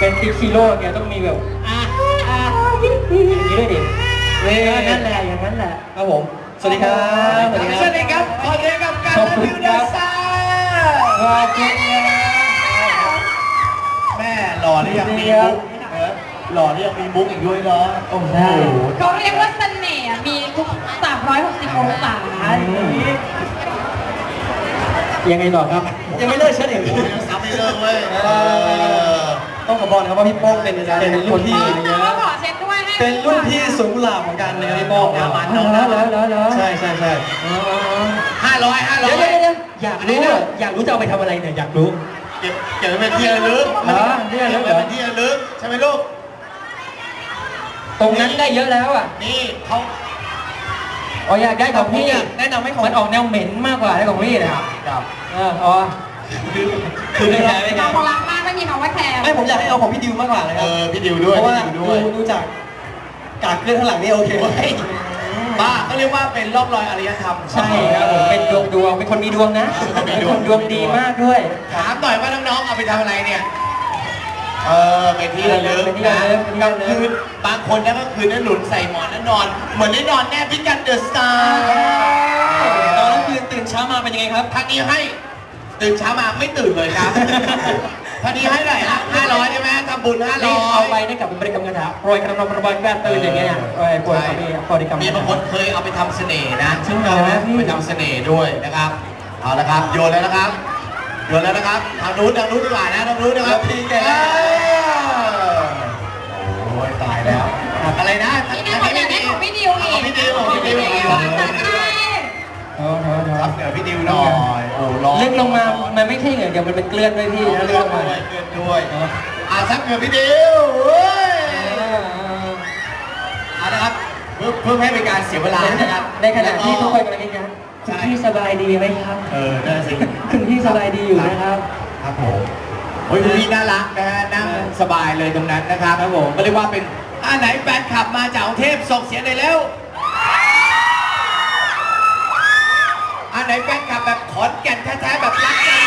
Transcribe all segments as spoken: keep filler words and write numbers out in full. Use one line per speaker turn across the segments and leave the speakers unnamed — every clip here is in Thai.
เป็นติ๊กฮีโร่เนี่ยต้องมีแบบอ่าอ่าอย่างนี้ด้วยดินั่นแหละอย่างนั้นแหละครับผมสวัสดีครับ
สวัสดีครับสวัสดีครับขอเชิญกับการรีวิวเดอะสตาร์ขอบคุณแม่หล่อที่ยังมีมุกหล่อที่ยังมีมุกอีกด้วยเนาะโอ้โห
เขาเรียกว่าเสน่ห์มีทุกสามร้อยหกสิบองศา
ยังไงต่อครับยังไม่เลิกเช่นเดียวกัน
ยังซ้ำไม่เลิกเว้ย
ต้องขอบอกนะครับว่าพี่โป้งเป็นเป็นรุ่นพี่
ขอเช็ดด้วยให้
เป็นรุ่นพี่สวนกุหลาบของกันนะครับพี่โป้งนะมันน้องแล้วแล้วแล้วใช่ใช่ใช่
ห้าร้อยห้าร้อย
เดี๋ยวเดี๋ยวอยากรู้อยากรู้จะเอาไปทำอะไรเนี่ยอยากรู้
เก็บเก็บไว้เป็นที่ระลึก
ที่ระลึก
เป็นที่ระลึกใช่ไหมลูก
ตรงนั้นได้เยอะแล้วอ่ะ
นี่เขา
อ๋ออยากได้ของพี่แนะนำให้ของมันออกแนวเหม็นมากกว่าได้ของพี่นะครับครับเอออ๋อคือคือไม่แคร์ไม่แคร์
ของรักมากไม่มีคำว่าแคร์
ไม่ผมอยากให้เอาของพี่ดิวมากกว่าเลยครับ
เออพี่ดิวด้วย
เพราะว่าดูจากกากเกลื่อนข้างหลังนี่โอเค
บ้าเขาเรียกว่าเป็นร่องรอยอารยธรรม
ใช่ครับผมเป็นดวงดวงเป็นคนมีดวงนะเป็นคนดวงดีมากด้วย
ถามหน่อยว่าน้องๆเอาไปทำอะไรเนี่ยเออไปที่ระลึกนะกลางคืนบางคนนะก็คืนนั้นหนุนใส่หมอนแล้วนอนเหมือนได้นอนแนบพิกันเดอะสตาร์
ตอนนั้นคืนตื่นเช้ามาเป็นยังไงครับ
ท่านนี้ให้ตื่นเช้ามาไม่ตื่นเลยครับท่านนี้ให้ไหนฮะห้าร้อยใช่ไหมทำบุญห้าร้อย
เอาไปได้กลับเป็นบริกรรมคาถาโปรยกระนองกระบอยแก้ตื่นอย่างเงี้ยโปรยโปรยบริกรรม
มีบางคนเคยเอาไปทำเสน่ห์นะใช่ไหมไปทำเสน่ห์ด้วยนะครับเอาละครับโยนแล้วนะครับโยนแล้วนะครับทางนู้นทางนู้นดีกว่านะทางนู้นนะครับพี่แกโอ้ยตายแล้วอะไรนะ
นี่นะผมอยากได้ของพี่ดิวอีก
พี่ดิวของพี่ดิวครับเดี๋ยวพี่ดิวหน่อยโอ้ร้อน
เลื่อนลงมามันไม่ใช่เหงื่อเดี๋ยวมันเป็นเกลือนด้วยพี่นะเลื่อนลงมา
เกลือนด้วยอ่าซักเหงื่อพี่ดิวเอาละครับเพื่อเพื่อให้เป็นการเสียเวลานะครับ
ในขณะที่ทุกคนกำลังคิดกันคุณพี่สบายดีไหมครับ
เออน่าสิ
คุณพี่สบายดีอยู่นะครับ
ครับผมโอ้ยคุณพี่น่ารักนะฮะนั่งสบายเลยตรงนั้นนะครับครับผมก็เรียกว่าเป็นอ่าไหนแฟนคลับมาจากกรุงเทพส่งเสียงเลยแล้วอ่าไหนแฟนคลับแบบขอนแก่นแท้ๆแบบรักกัน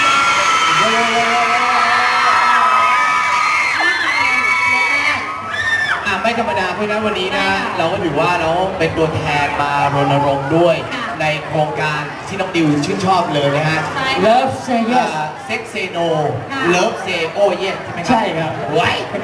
อ่าไม่ธรรมดาเพราะนั้นวันนี้นะเราก็ถือว่าเราเป็นตัวแทนมารณรงค์ด้วยในโครงการที่น้องดิวชื่นชอบเลยนะฮะ
Love Say Yes
Sex Say No Love Say Oh Yes ใช่ไหมครับ
ใช่ครับ
ไว้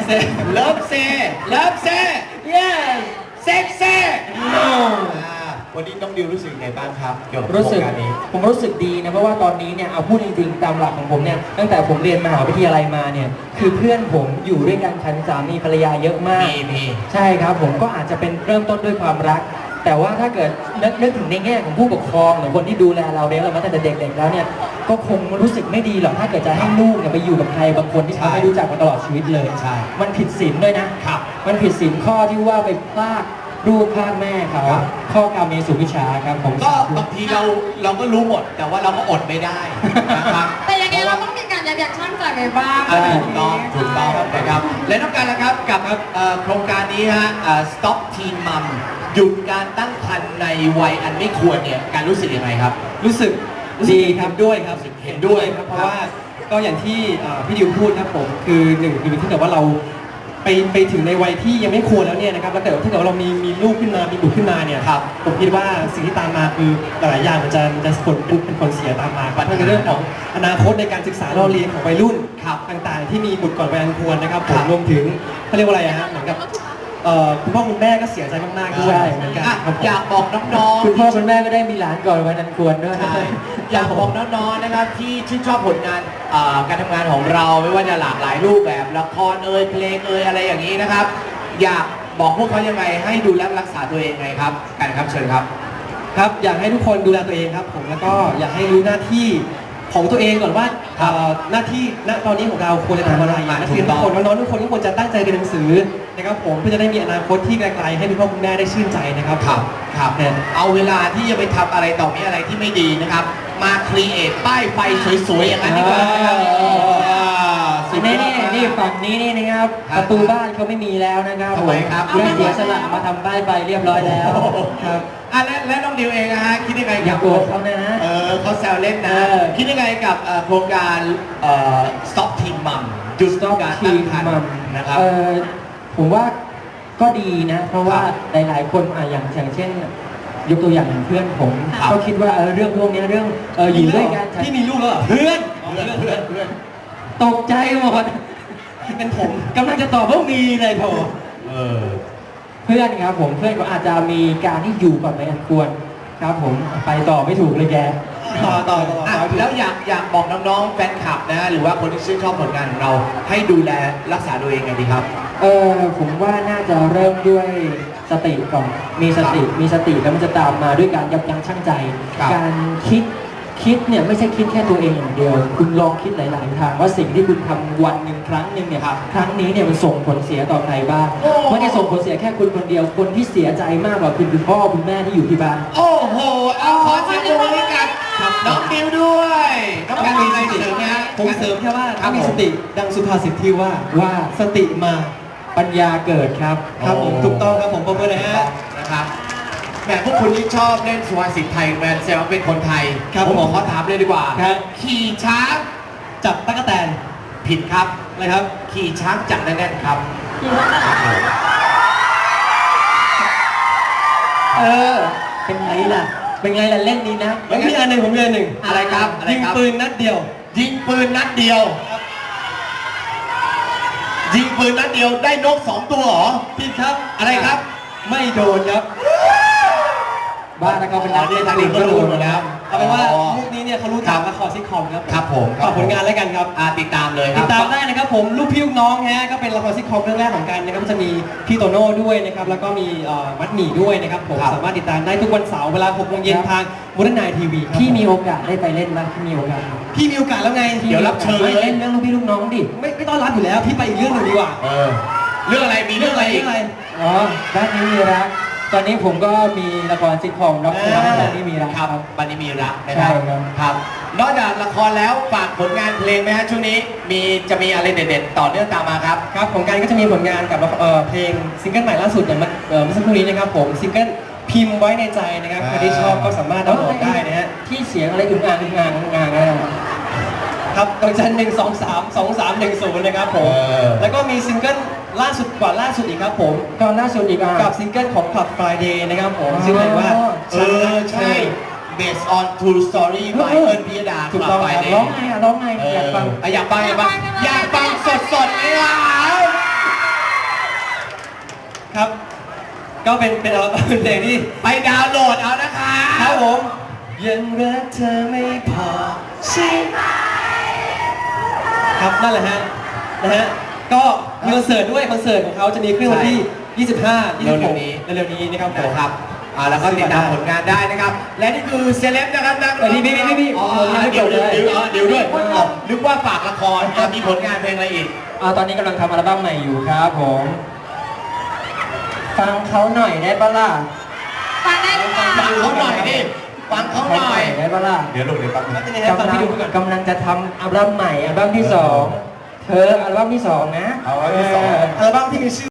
Love Say Love Say Yes Sex Say No วันนี้น้องดิวรู้สึกไงบ้างครับเกี่ยวกับโครงการนี้
ผมรู้สึกดีนะเพราะว่าตอนนี้เนี่ยเอาพูดจริงๆตามหลักของผมเนี่ยตั้งแต่ผมเรียนมหาวิทยาลัยมาเนี่ยคือเพื่อนผมอยู่ด้วยกันฉันสามีภรรยาเยอะมากใช่ครับผมก็อาจจะเป็นเริ่มต้นด้วยความรักแต่ว่าถ้าเกิดนึกนึกถึงในแง่ของผู้ปกครองหรือคนที่ดูแลเราเลี้ยงเรามาตั้งแต่เด็กๆแล้วเนี่ยก็คงรู้สึกไม่ดีหรอกถ้าเกิดจะให้ลูกเนี่ยไปอยู่กับใครบางคนที่เขาไม่รู้จักมาตลอดชีวิตเลย
ใช่
มันผิดศีลด้วยนะครับมันผิดศีลข้อที่ว่าไปพลากลูกพลากแม่เขาข้อกรรมเมสุวิชาครับผม
ก็บางทีเราเราก็รู้หมดแต่ว่าเราก็อดไม่ได้นะครับ
แต่ยังไงเราต้องมีการยับยั้งชั่งใจไปบ้าง
ถูกต้องถูกต้องนะครับและต้องการนะครับกับโครงการนี้ฮะ Stop Teen Mom หยุดการตั้งครรภ์ในวัยอันไม่ควรเนี่ยการรู้สึกยังไงครับ
รู้สึกดีครับด้วยครับเห็นด้วยครับเพราะว่าก็อย่างที่พี่ดิวพูดครับผมคือหนึ่งคือถ้าเกิดว่าเราไปไปถึงในวัยที่ยังไม่ควรแล้วเนี่ยนะครับแล้วแต่ถ้าเกิดว่าเรามีมีลูกขึ้นมามีบุตรขึ้นมาเนี่ยครับผมคิดว่าสิ่งที่ตามมาคือหลายอย่างมันจะจะผลเป็นผลเสียตามมาครับในเรื่องของอนาคตในการศึกษาเราเรียนของวัยรุ่นต่างๆที่มีบุตรก่อนวัยอันควรนะครับผมรวมถึงเขาเรียกว่าอะไรฮะเหมือนกับคุณพ่อคุณแม่ก็เสียใจมากๆด้วยเหมือนกัน
อยากบอกน้อง
ๆคุณพ่อคุณแม่ก็ได้มีหลานก่อนวัยอันควรด้วย
อยากบอกน้องๆนะครับที่ชื่นชอบผลงานการทำงานของเราไม่ว่าจะหลากหลายรูปแบบละครเอ่ยเพลงเอ่ยอะไรอย่างนี้นะครับอยากบอกพวกเขายังไงให้ดูแลรักษาตัวเองไงครับกันครับเชิญครับ
ครับอยากให้ทุกคนดูแลตัวเองครับผมแล้วก็อยากให้รู้หน้าที่ของตัวเองก่อนว่าหน้าที่ณตอนนี้ของเราควรจะทำอะไรนักเรียนทุกคนน้องๆทุกคนก็ควรจะตั้งใจเรียนหนังสือนะครับผมเพื่อจะได้มีอนาคตที่ไกลๆให้คุณพ่อคุณแม่ได้ชื่นใจนะครับ
ครับครับเอาเวลาที่จะไปทำอะไรต่อมีอะไรที่ไม่ดีนะครับมาครีเอทป้ายไฟสวยๆอย่างนั้นดีกว่า
นี่นี่นี่ฝั่งนี้นี่นะครับประตูบ้านเขาไม่มีแล้วนะครับ
ทำไมครับ
เรื่องเสียสละมาทำป้ายไฟเรียบร้อยแล้วครับ
อ่ะและและน้องดิวเองนะฮะคิดยังไง
กับตัวเขาเนี่ยนะ
เออเขาแซวเล่นนะคิดยังไงกับโครงการ Stop Teen Mom หยุด
Stop
การ
Teen
ตั้งครร
Mom
ภ์นะครับ
เอ่อผมว่าก็ดีนะ เพราะว่า
ครับ
หลายๆคนอ่ะอย่างอย่างเช่น ยกตัวอย่างอย่างเพื่อนผม
ครับ
ก็คิดว่าเออเรื่องพวกเนี้ยเรื่องเอออยู่ด้วยกัน
พี่มีลูกแล้วเหรอ
เพื่อน
เพื่อนเพื่อนเพื่อน
ตกใจหมด
เป็นผม
กำลังจะตอบว่ามีเลยโถ
เออ
เพื่อนครับผมเพื่อนก็อาจจะมีการที่อยู่ก่อนไม่อันควรครับผมไปต่อไม่ถูกเลยแก
ต่อต่อต่อ
อ่ะ
ต่อ
แล้วอยากอยากบอกน้องๆแฟนคลับนะหรือว่าคนที่ชื่นชอบผลงานของเราให้ดูแลรักษาตัวเองไงดีครับ
เออผมว่าน่าจะเริ่มด้วยสติก่อน มีสติ มีสติแล้วมันจะตามมาด้วยการยับยั้งชั่งใจ
ครับ
การคิด คิดเนี่ยไม่ใช่คิดแค่ตัวเองอย่างเดียว คุณลองคิดหลาย ๆ ทางว่าสิ่งที่คุณทำวันหนึ่งครั้งหนึ่งเนี่ย
ครับ
ครั้งนี้เนี่ยมันส่งผลเสียต่อใครบ้าง
โอ้
ไม่ได้ส่งผลเสียแค่คุณคนเดียว คนที่เสียใจมากกว่าคุณคือพ่อคุณแม่ที่อยู่ที่บ้าน
โอ้โหเอาขอเสียงปรบมือให้กับน้องดิวด้วยน้องการมีอะไรเสริมไหมฮะ
ผมเสริมแค่ว่า
ครั
ถ้า
บ
มี
ผม
สติดังสุภาษิตที่ว่า
ว่า
สติมา
ปัญญาเกิดครับ
ครับผมถูกต้องครับผมปรบมือเลยฮะ
นะครับแหมพวกคุณที่ชอบเล่นสุภาษิตไทยแมนแซวาเป็นคนไทย
ครับ
ผม
ผม
ขอถามเลยดีกว่า
ครับ
ขี่ช้าง
จับตั๊กแตน
ผิดครับ
อะไรครับ
ขี่ช้างจับแน่นๆครับ
เออ เป็นไงล่ะ เป็นไงล่ะเล่นนี้นะ
ผมมีอันหนึ่งผมมีอันหนึ่ง
อะไรครับอะไร
ยิง
ครับ
ปืนนัดเดียว
ยิงปืนนัดเดียว ยิงปืนนัดเดียวได้นกสองตัวเหรอ
ผิดครับ
อะไรครับ
ไม่โดนครับ
บ้านแล้วก็เป็นนัก
อ๋อนี่
เล่น
ทางนี้ก็รู้หมดแล้ว
เอาเป็นว่า
อ๋อ
มุกนี้เนี่ยเขารู้จากละครซิทคอมครับ
ครับผมครับ
ฝากผลงานแล้วกันครับ
อ่าติดตามเลยค
ติ
รั
ด
บ
ตามได้นะครับผมลูกพี่ลูกน้องฮะก็เป็นละครซิทคอมเรื่องแรกของกันนะครับจะมีพี่โตโน่ด้วยนะครับแล้วก็มีเอ่อมัดหมี่ด้วยนะครับผม
ครับ
สามารถติดตามได้ทุกวันเสาร์เวลาหกโมงเย็นทางมูลนายทีวีครับ
พี่มีโอกาสได้ไปเล่นบ้างพี่มีโอกาส
พี่มีโอกาสแล้วไง
เดี๋ยวรับเชิญ
ไม่เล่นเรื่องลูกพี่ลูกน้องดิ
ไม่ไม่ต้อนรับอยู่แล้ว พี่ไปอีกเรื่องหนึ่งดีกว่า
เออเรื่องอะไรมีเรื่องอะไรอีก
เรื่องอะไร
อ๋อบ้านนี้มีรัก ตอนนี้ผมก็มีละครซิทคอมรับเชิญบ้านนี้มีรัก
ครับ
ครับ
บันนี้มีรักนะครับ
ใช่ครับ
ครับ นอกจากละครแล้วฝากผลงานเพลงไหมฮะช่วงนี้มีจะมีอะไรเด็ดๆต่อเนื่องตามมาครับ
ครับของกันก็จะมีผลงานกับเอ่อเพลงซิงเกิลใหม่ล่าสุดอย่างเมื่อเอ่อเมื่อสักครู่นี้นะครับผมซิงเกิลพิมพ์ไว้ในใจนะครับใครที่ชอบก็สามารถดาวน์โหลดได้นะฮะ
ที่เสียงอะไรอึ่งอ่างอึ่งอ่างอึ่งอ่างอะไรอะ
ครับดอกจันหนึ่งสองสามสองสามหนึ่งศูนย์นะครับผม
เออ
แล้วก็มีซิงเกิลล่าสุดกว่าล่าสุดอีกครับผม
ก็ล่าสุดอีกอ่ะ
กับซิงเกิลของ Club Friday นะครับผม
อ๋อ
ซึ่งเรียกว่า
เออใช่ based on true story by
เออ
เอิญพิยดา
ถูกต้อง
ไป
ครับ
เด
ร้องไงอ่ะร้องไง
เอออย
อากฟัง
อยากฟังอยากฟังอยากฟังสดๆไหมครับ
ครับ ก็เป็นเป็นอัลบั้มเพลงที่
ไปดาวน์โหลดเอานะคะ
ครับผมยังรักเธอไม่พอใช่ไหมครับนั่นแหละฮะนะฮะก็มีคอนเสิร์ตด้วยคอนเสิร์ตของเขาจะมีขึ้นวันที่ ยี่สิบห้า ยี่สิบหก เร็วๆนี้นะครับผม
นะครับอ่าแล้วก็ติดตามผลงานได้นะครับ และนี่คือเซเลบนะครับนัก
เออพี่พี่พี่พี่
อ๋อ
ผมยังไม่
เดี๋ยว
จบเลย
เดี๋ยวอ๋อเดี๋ยวด้วย
เออ
อ๋อนึกว่าฝากละครอ่ะมีผลงานเพลงอะไรอีก
อ่าตอนนี้กำลังทำอัลบั้มใหม่อยู่ครับผม ฟังเขาหน่อยได้ปะล่ะ
ฟังได้หรือเปล่า
ฟังเขาหน่อยดิ ฟังเขาหน่อย
ได้ปะล่ะ
เดี๋ยวลงเดี๋ยวแป๊บนึง
เป็นยังไงฮะฟัง
กำลั
พี่
ง
ดูก่อน
กำลังจะทำอัลบั้มใหม่อัลบั้มที่สองเธออัลบั้มที่สองนะ
เอาอัลบั้มที่สอง
อัลบั้มที่มีชื่อ